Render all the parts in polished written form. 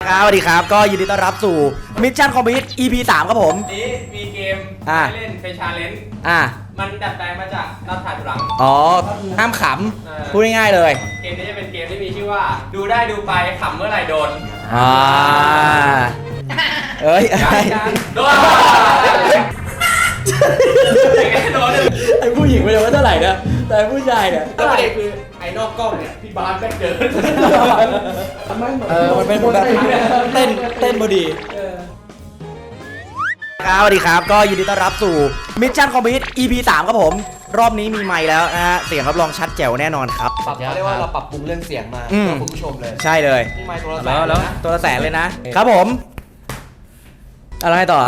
ครับสวัสดีครับก็ยินดีต้อนรับสู่มิชชั่นคอมพลีท EP 3ครับผมนี้มีเกมให้เล่นเป็นชาเลนจ์มันดัดแปลงมาจากนับถ่ายถอยหลังอ๋อห้ามขำพูดง่ายๆเลยเกมนี้จะเป็นเกมที่มีชื่อว่าดูได้ดูไปขำเมื่อไหร่โดนเอ้ยโดนไอ้ผู้หญิงไม่รู้ว่าเท่าไหร่นะแต่ผู้ชายเนี่ยก็ประเด็นคือไอ้นอกกล้องเนี่ยพี่บาสแม่งเดินมันเป็นแบบเต้นพอดีครับสวัสดีครับก็ยินดีต้อนรับสู่มิชชั่นคอมพลีท EP 3ครับผมรอบนี้มีไมค์แล้วนะฮะเสียงรับรองชัดแจ๋วแน่นอนครับเขาเรียกว่าเราปรับปรุงเรื่องเสียงมาเพื่อคุณผู้ชมเลยใช่เลยนี่ไมค์ตัวละแสนแล้วตัวละแสนเลยนะครับผมอะไรต่อ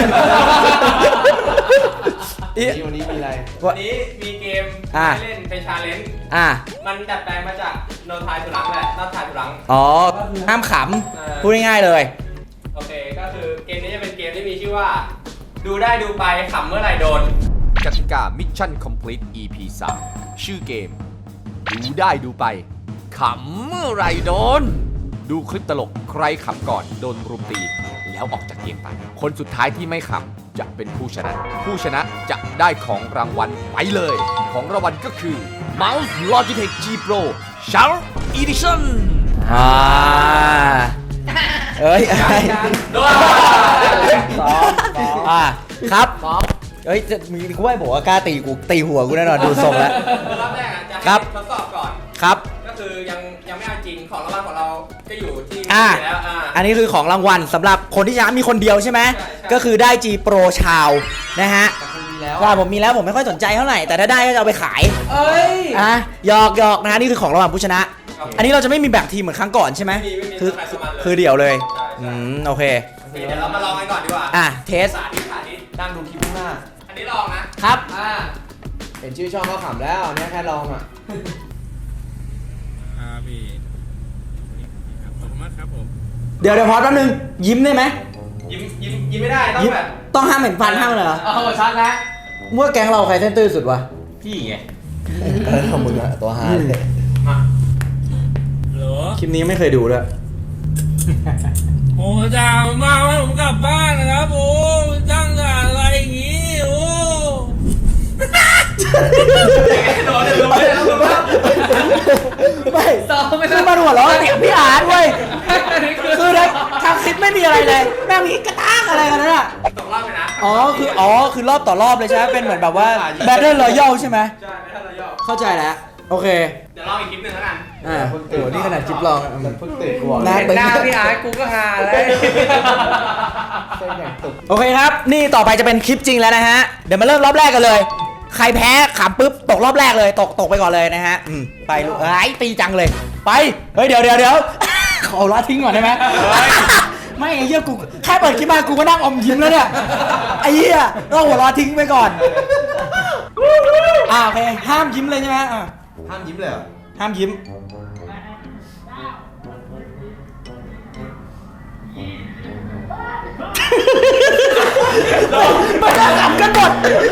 วันนี้มีอะไรวันนี้มีเกมให้เล่นเป็นชาเลนจ์มันดัดแปลงมาจากโดนถ่ายถอยหลังแหละนับถ่ายถอยหลังอ๋อห้ามขำพูดง่ายๆเลยโอเคก็คือเกมนี้จะเป็นเกมที่มีชื่อว่าดูได้ดูไปขำเมื่อไหร่โดนกติกา Mission Complete EP 3 ชื่อเกมดูได้ดูไปขำเมื่อไรโดนดูคลิปตลกใครขำก่อนโดนรุมตีแล้วออกจากเกมไปคนสุดท้ายที่ไม่ขำจะเป็นผู้ชนะจะได้ของรางวัลไปเลยของรางวัลก็คือ Mouse Logitech G Pro Sharp Edition เอ้ยโดนครับเอ้ยจะมีกูไม่บอกว่ากล้าตีหัวกูแน่นอนดูทรงแล้วรอบแรกอ่ะจะให้ทดสอบก่อนครับก็คือยังไม่เอาจริงของรางวัลของเราก็อยู่ที่แล้วอันนี้คือของรางวัลสำหรับคนที่ชนะมีคนเดียวใช่ไหมก็คือได้ G Pro ชาวนะฮะว่าผมมีแล้วผมไม่ค่อยสนใจเท่าไหร่แต่ถ้าได้ก็จะเอาไปขายหยอกนะฮะนี่คือของรางวัลผู้ชนะอันนี้เราจะไม่มีแบ่งทีมเหมือนครั้งก่อนใช่ไหมคือเดี่ยวเลยโอเคเดี๋ยวเรามาลองกันก่อนดีกว่าเทสตั้งดูคลิปข้างหน้าอันนี้ลองนะครับเห็นชื่อช่องก็ขำแล้วเนี่ยแค่ลองพี่ขอบคุณมากครับผมเดี๋ยวพอแป๊บนึงยิ้มได้ไหมยิ้มไม่ได้ต้องห้ามเห็นฟันห้ามเลยเหรอชัดแล้วเมื่อแก๊งเราใครเส้นตื้อสุดวะพี่ไงมึงอะตัวฮาเลยคลิปนี้ไม่เคยดูด้วยโอ้จ้ามาให้ผมกลับบ้านนะครับโอ้จ้างอะไรอย่างงี้โอ้ไม่คือมาหัวเราะเสียงพี่อาร์ตเว้ยคือทางคลิปไม่มีอะไรเลยแม่งมีกระตากอะไรกันน่ะตกรอบไปนะคือรอบต่อรอบเลยใช่ไหมเป็นเหมือนแบบว่า Battle Royale ใช่ไหมใช่ Battle Royale เข้าใจแล้วโอเคเดี๋ยวลองอีกคลิปนึงแล้วกันโอ้นี่ขนาดคลิปลองเพิ่งตื่นกูบอกหน้าพี่อาร์ตกูก็ฮาแล้วโอเคครับนี่ต่อไปจะเป็นคลิปจริงแล้วนะฮะเดี๋ยวมาเริ่มรอบแรกกันเลยใครแพ้ขำปุ๊บตกรอบแรกเลยตกไปก่อนเลยนะฮะไปลูกตีจังเลยไปเฮ้ยเดี๋ยวขอละทิ้งก่อนได้ไหมไม่ไอ้เหี้ยกูแค่เปิดคลิปมากูก็นั่งอมยิ้มแล้วเนี่ยไอ้เหี้ยต้องหัวเราะทิ้งไปก่อนโอเคห้ามยิ้มเลยใช่ไหมห้ามยิ้มเลยเหรอห้ามยิ้มมันก็ขำกันหมด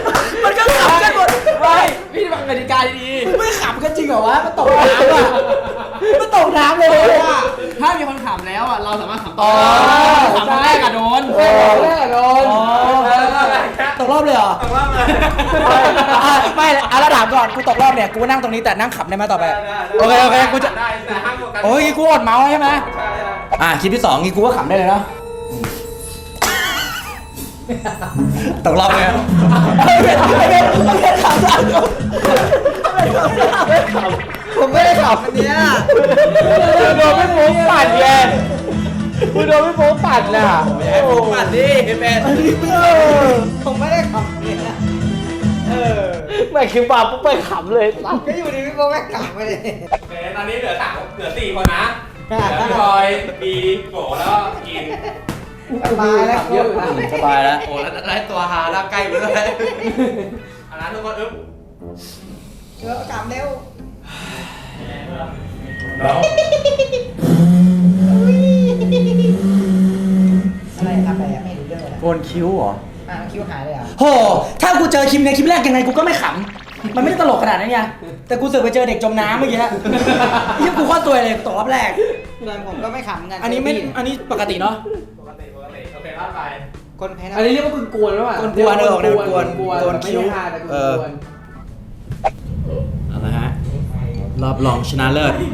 ไม่พี่ฟังกติกาดีไม่ขำกันจริงเหรอวะมันตกน้ำอ่ะมันตกน้ำเลยว่าถ้ามีคนขำแล้วอ่ะเราสามารถขำต่อขำคนแรกอะโดนตกรอบเลยเหรอตกรอบเลยไม่เราถามก่อนกูตกรอบเนี่ยกูนั่งตรงนี้แต่นั่งขำได้ไหมต่อไปโอเคกูจะได้แต่ห้ามกดกันโอ้ยกูอดเมาส์ใช่ไหมคลิปที่2งี้กูก็ขำได้เลยเนาะตกรอบเลยไม่ขำผมไม่ได้ขับอันเนี้ยโดนไม่โม้ปั่นไงคุณโดนไม่โม้ปั่นน่ะปั่นดิเป็นผมไม่ได้ขับเนี่ยไม่คิวบาปุ๊บไปขำเลยก็อยู่ดีพี่โป๊ไม่ขับไปเลยโอเคตอนนี้เหลือ4คนนะพี่บอยบีโกแล้วก็กินสบายแล้วเยอะสบายแล้วโอ้แล้วได้ตัวฮาแล้วใกล้ไปเลยอันนั้นทุกคนกำเร็วอะไรทำอะไรไม่รู้เรื่องเลยโกนคิ้วเหรอคิ้วหายเลยอ่ะโหถ้ากูเจอคลิปในคลิปแรกยังไงกูก็ไม่ขำมันไม่ได้ตลกขนาดนั้นไงแต่กูเสือกไปเจอเด็กจมน้ำเมื่อกี้ยิ่งกูข้อตัวเลยตกรอบแรกส่วนผมก็ไม่ขำเหมือนกันอันนี้ไม่อันนี้ปกติเนาะปกติโอเคพลาดไปคนแพ้นะอันนี้เรียกว่าคุณกวนหรือเปล่ากวนๆเออออกแนวกวนกวนกวนไม่คิ้วได้ฮาแต่กเออวนเอาละฮะรอบรองชนะเลิศ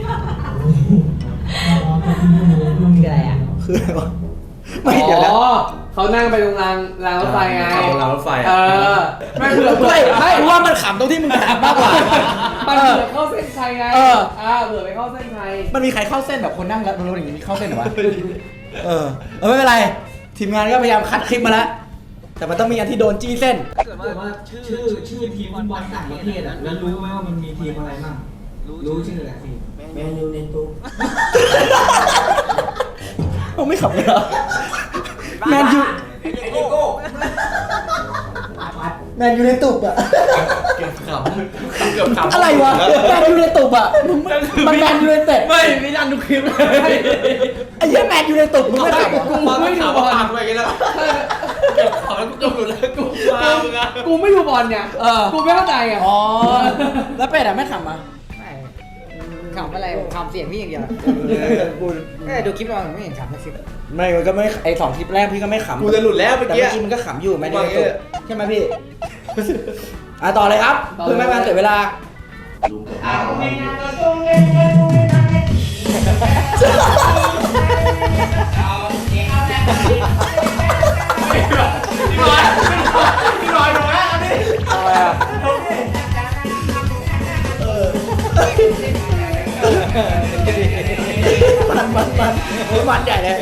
คืออะไรอ่ะคืออะไรวะไม่เดี๋ยวนะอ๋อเขานั่งไปตรงรางรถไฟไงขับรถรางรถไฟเออไม่เผื่อไม่รู้ว่ามันขำตรงที่มึงถามมากกว่ามันเผื่อเข้าเส้นชัยไงเออเผื่อไปเข้าเส้นชัยมันมีใครเข้าเส้นแบบคนนั่งแล้วรถอย่างนี้มีเข้าเส้นเหรอวะไม่เป็นไร ทีมงานก็พยายามคัดคลิปมาแล้ว แต่มันต้องมีอันที่โดนจี้เส้นแต่ว่าชื่อทีมฟุตบอลต่างประเทศอ่ะแล้วรู้ไหมว่ามันมีทีมอะไรบ้างรู้ชื่ออะไรทีมแมนยูในตู้เขาไม่ขับเลยเหรอแมนยูแมนยูในตุบอะเกือบขำอะไรวะแมนยูในตุบอะมันแมนยูในเต็ดไม่ไม่ดันทุกคลิปเลยไอ้เหี้ยแมนยูในตุบมึงไม่ขับกูไม่ดูบอลผ่านไปกันแล้วเกือบขำแล้วกูจบหลุดแล้วกูมามึงอะกูไม่ดูบอลเนี่ยกูไม่เข้าใจไงอ๋อแล้วเป็ดอะไม่ขับมาไม่ขำอะไรผมขำเสียงพี่อย่างเดียวดูคลิปเราไม่เห็นขำนะคลิปไม่มันก็ไม่ไอ2คลิปแรกพี่ก็ไม่ขำกูจะหลุดแล้วเมื่อแต่กี้เมื่อกี้มันก็ขำอยู่แมนยูในตุบใช่ไหมพี่ต่อเลยครับเพื่อไม่ให้มันเสียเวลาพี่ลอยลงแล้วอันนี้อะไรอะมันใหญ่เลย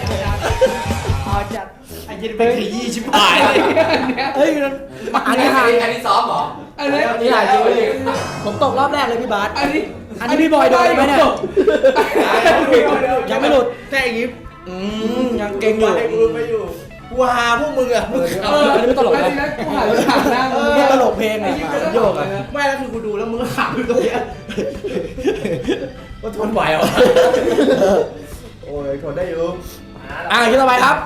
ไอ้ยินเป็นขยี้ชิบหายเลยเฮ้ยอันนี้หายอันนี้ซ้อมเหรออันนี้อันนี้หายจริงเลยผมตกรอบแรกเลยพี่บาสอันนี้อันนี้พี่บอยโดนไหมเนี่ยยังไม่หลุดแค่อย่างงี้ยังเก่งอยู่ให้กูไม่อยู่กูหาพวกมึงอะมึงขอันนี้ไม่ตลกแล้วนะทีนั้นกูหันไปถามหน้ามึงไม่ตลกเพลงอะโยกอะำไม่แล้วคือกูดูแล้วมึงก็ขำอยู่ตรงเนี้ยว่าทนไหวเหรอโอ้ยทนได้อยู่คิดต่อไปครับ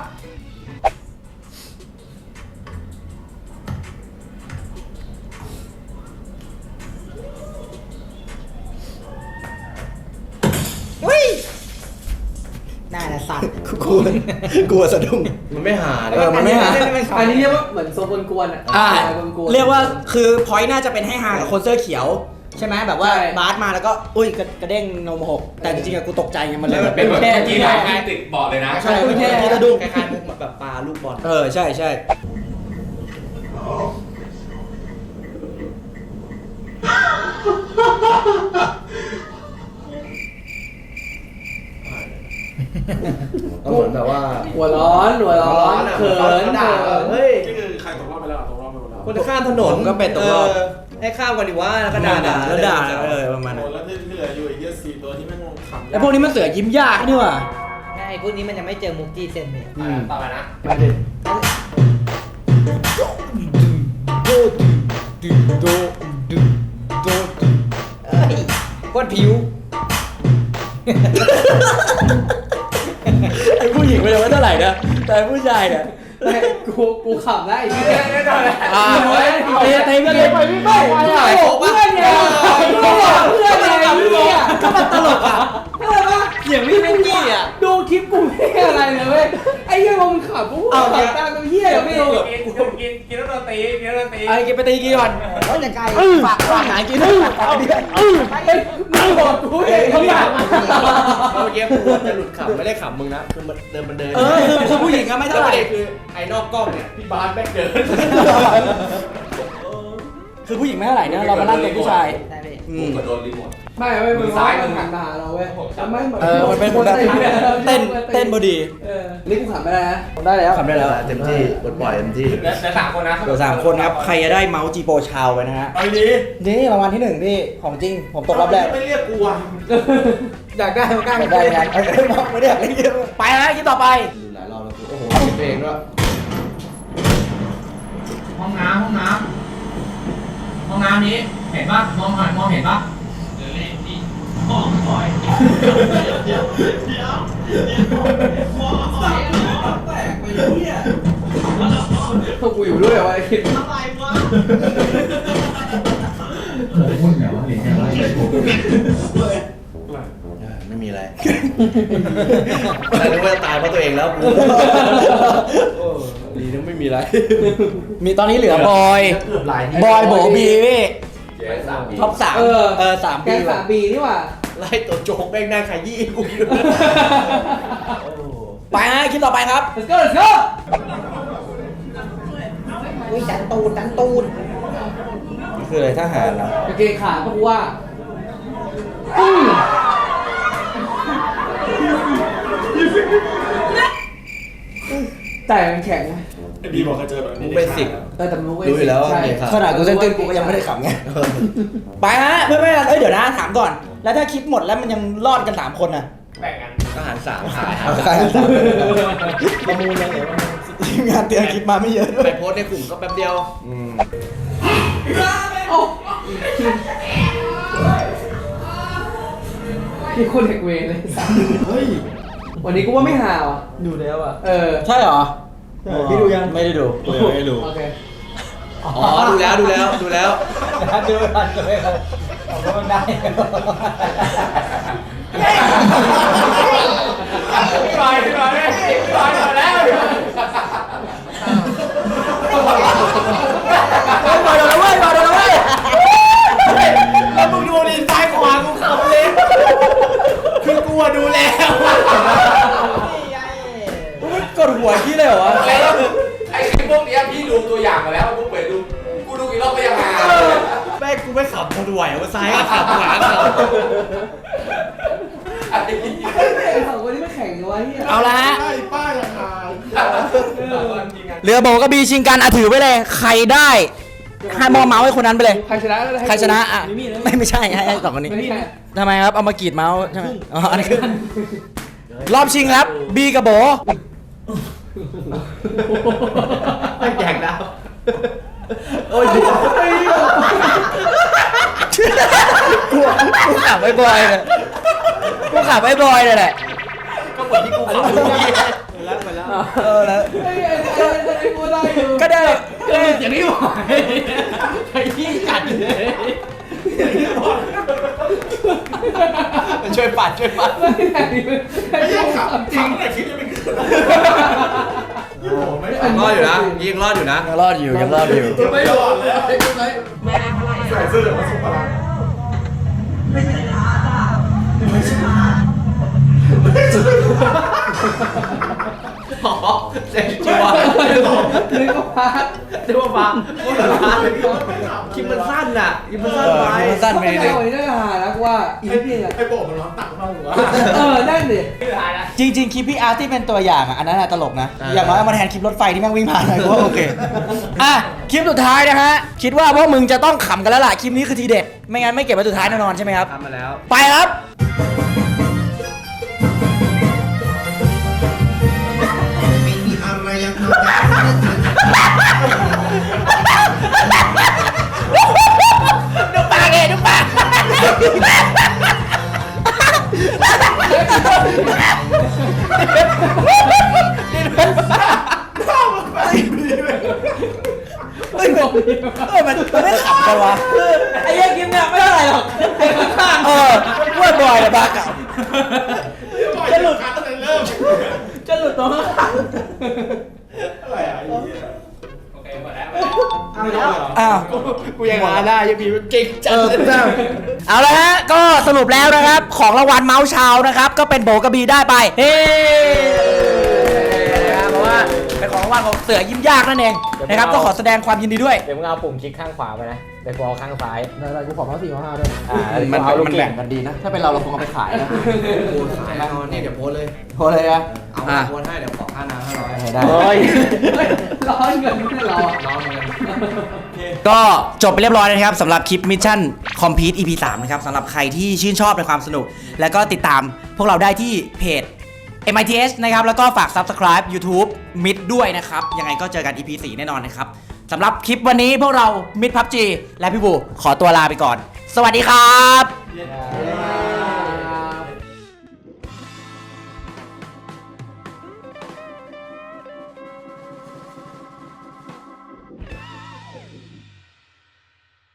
น่าจะสั่นกลัวสะดุ้งมันไม่หาเลยมันไม่หาอันนี้เรียกว่าเหมือนโซนกวนๆอ่ะ กวนๆเรียกว่าคือพอยต์น่าจะเป็นให้ฮากับคนเสื้อเขียว ใช่ไหมแบบว่าใช่บาสมาแล้วก็อุ้ยกระเด้งนมหกแต่จริงๆอะกูตกใจไงมันเลยเป็นแบบแค่ที่ที่ไหนไหนติดเบาะเลยนะใช่เป็นแค่ที่สะดุ้งคล้ายๆมุกแบบปลาลูกบอลใช่ใช่ก็เหมือนแบบว่าหัวร้อนเขินด่าเฮ้ยนี่คือใครตกรอบไปแล้วอ่ะตกรอบไปหมดแล้วคนจะข้ามถนนผมก็เป็นตกรอบให้ข้ามกันดีว่าแล้วก็ด่าแล้วด่าประมาณโอ้นั้นแล้วที่เหลืออยู่อีกเยอะ4ตัวที่แม่งขำไอ้พวกนี้มันเสือยิ้มยากนี่หว่าไอ้พวกนี้มันยังไม่เจอมุกจี้เซนเลยต่อไปนะมาดิโคตรผิวไอ้ผู้หญิงมันยังไม่เท่าไหร่นะแต่ไอ้ผู้ชายเนี่ยกูขับได้อีกทีเต็มเลยไปพี่ไม่เพื่อนไงก็มันตลกอ่ะเสียงพี่เป็นกี้อ่ะดูคลิปกูไม่อะไรเลยเว้ยไอ้เหี้ยมึงขับกูขับตามตัวเหี้ยไม่รู้กินแล้วโดนตีกินแล้วโดนตีไอ้กินไปตีกี่ก่อนเขาจะไกลฝากหายกินด้วยเอาดิมึงบอกกูเองเขาอยากเมื่อกี้กูจะหลุดขำไม่ได้ขำมึงนะคือมันเดินคือผู้หญิงก็ไม่แล้เท่าว ไหประร่เด็นคือไอ้นอกกล้องเนี่ยพี่บาสแม่งเดินคือผู้หญิงไม่เท่าไหร่เนี่ยเรามาลั่นตัวผู้ชายได้พี่กูกระโดนรีโมทไม่มึงซ้ายมึงหันมาหาเราเว้ยไม่เหมือนมันเป็นแบบเต้นบอดีนี่กูขับไม่ได้นะได้แล้วทำได้แล้วเต็มที่ปลดปล่อยเต็มที่แล้วสามคนนะเดี๋ยว3 คนครับ ใครจะได้เมาส์จีโปชาวไปนะฮะไปดีนี่รางวัลที่ 1 พี่ ของจริง ผมตกรอบแรกไม่เรียกกูอ่ะอยากได้มากล้าได้งานไม่ได้อยากเล่นเยอะไปแล้วคิดต่อไปดูหลายรอบแล้วกูโอ้โหคิดเองด้วยห้องน้ำนี้เห็นปะมองเห็นปะพวกกูอยู่ด้วยวะไอ้คิดไม่มีอะไรแต่นึกว่าจะตายเพราะตัวเองแล้วกูดีนะไม่มีอะไรมีตอนนี้เหลือบอยเกือบหลายบอยโบบีพี่เจ๊สามปีท็อป 3 3 แกปีงสามปีนี่หว่าไล่ตัวโจ๊กแม่งนั่งขยี้กูอยู่ไปฮะคลิปต่อไปครับ let's go let's go อุ้ยดันตูนคืออะไรทหารเหรอกางเกงขาดก็ว่าแต่มันแข็งนะไอ้บีบอกเคยเจอแบบนี้มึงเป็นสิกแต่มันรู้อยู่แล้วว่าใช่เกงขาขนาดกูเต้นกูก็ยังไม่ได้ขำไง ไปฮะเพื่อนๆเอ้ยเดี๋ยวนะถามก่อน แล้วถ้าคลิปหมดแล้วมันยังรอดกัน 3 คนน่ะแบ่งกันทหาร3ขายใครประมูลยังไงทีมงานเตรียมคลิปมาไม่เยอะด้วไปยโพสต์ในกลุ่มก็แป๊บเดียวมีคนเด็กเวรเลยเฮ้ยวันนี้กูว่าไม่หาวอ่ะดูแล้วอ่ะใช่เหรอพี่ดูยังไม่ได้ดูกูยังไม่ได้ดูโอเคอ๋อดูแล้วดูแล้วดูแล้วดูทันเลยครับเอาก็มันได้พี่บอยมาแล้วบอยโดนแล้วเว้ยบอยโดนแล้วเว้ยแล้วมึงดูดิซ้ายขวากูขับเลยคือกูดูแล้วมันกดหัวขี้เลยเหรอวะแล้วไอ้พวกเนี้ยพี่ดูตัวอย่างมาแล้วพวกเปิดดูกูดูกี่รอบก็ยังหาแม่งกูไม่ขับกูดูไหวว่าซ้ายก็ขับขวาขับไอ้สองคนนี้ไม่แข่งกันวะเฮียเอาละฮะไอ้ป้ายังหายเรือโบกระบีชิงกันถือไว้เลยใครได้ให้มอเมาส์ให้คนนั้นไปเลยใครชนะก็ได้ใครชนะอ่ะไม่ใช่ให้สองคนนี้ไม่ใช่ทำไมครับเอามากรีดเมาส์ใช่ไหมอ๋ออันนี้คือรอบชิงครับบีกับโบไม่แจกแล้วโอ้ยกูขับไอ้บอยเลยกูขับไอ้บอยเลยแหละก็เหมือนที่กูขับเมื่อกี้แล้วไปแล้วแล้วไอ้กูได้อยู่ก็ได้อย่างนี้หว่าไอ้ที่กัดเลยมันช่วยปัดช่วยปัดไอ้ที่ขับจริงแต่คิดจะไม่เกิดโอ้โหไม่ยังรอดอยู่นะยิงรอดอยู่นะยังรอดอยู่ยังรอดอยู่ไม่หลอดเลยใส่เสื้อเหลืองมาส่งพลังอ๋อเซ็งชัวร์นึกว่าพาร์ทนึกว่าฟ้าคลิปมันสั้นน่ะคลิปมันสั้นไปคลิปมันสั้นไปนิดนึงวันนี้น่าจะหาแล้วว่าอีกนิดนึงอ่ะไอ้โบมันร้อนตักเข้าหัวนั่นดิพี่ท้ายนะจริงๆคลิปพี่อาร์ตที่เป็นตัวอย่างอ่ะอันนั้นตลกนะอย่างน้อยเอามาแทนคลิปรถไฟที่แม่งวิ่งผ่านหน่อยก็โอเคอ่ะคลิปสุดท้ายนะฮะคิดว่าพวกมึงจะต้องขำกันแล้วล่ะคลิปนี้คือทีเด็ดไม่งั้นไม่เก็บไว้สุดท้ายแน่นอนใช่ไหมครับทำมาแล้วไปครับ ดูปากเองดูปากเฮ้ยมันไม่ขำกันวะไอ้เหี้ยังกินเนี่ยไม่เท่าไหร่หรอกไอ้ข้างว่าบอยเลยบ้ากับจะหลุดตั้งแต่เริ่มจะหลุดตรงข้างอะไรอ่ะไอ้เหี้ยโอเคหมดแล้วอ้าวกูยังหาได้ยังมีเก่งจังเลยเอาละฮะก็สรุปแล้วนะครับของรางวัลเมาส์เชานะครับก็เป็นโบกระบีได้ไปเฮ้นะครับเพราะว่าเป็นของรางวัลของเสือยิ้มยากนั่นเองนะครับก็ขอแสดงความยินดีด้วยเดี๋ยวมึงเอาปุ่มคลิกข้างขวาไปนะแต่กูเอาข้างซ้ายอะไรกูขอมา4 มา5ด้วยมันแบ่งกันดีนะถ้าเป็นเราคงเอาไปขายนะโพสขายแล้วเนี่ยเดี๋ยวโพสเลยโทรเลยนะเอาโพสให้เดี๋ยวขอค่าน้ำ500 ได้เฮ้ยร้อนเงินไม่ใช่เราอ่ะน้องเงินก็จบไปเรียบร้อยแล้วนะครับสำหรับคลิปมิชชั่นคอมพลีท EP 3นะครับสำหรับใครที่ชื่นชอบในความสนุก แล้วก็ติดตามพวกเราได้ที่เพจ MITS นะครับแล้วก็ฝาก Subscribe YouTube Mid ด้วยนะครับยังไงก็เจอกัน EP 4 แน่นอนนะครับสำหรับคลิปวันนี้พวกเรา Mid PUBG และพี่บูขอตัวลาไปก่อน สวัสดีครับ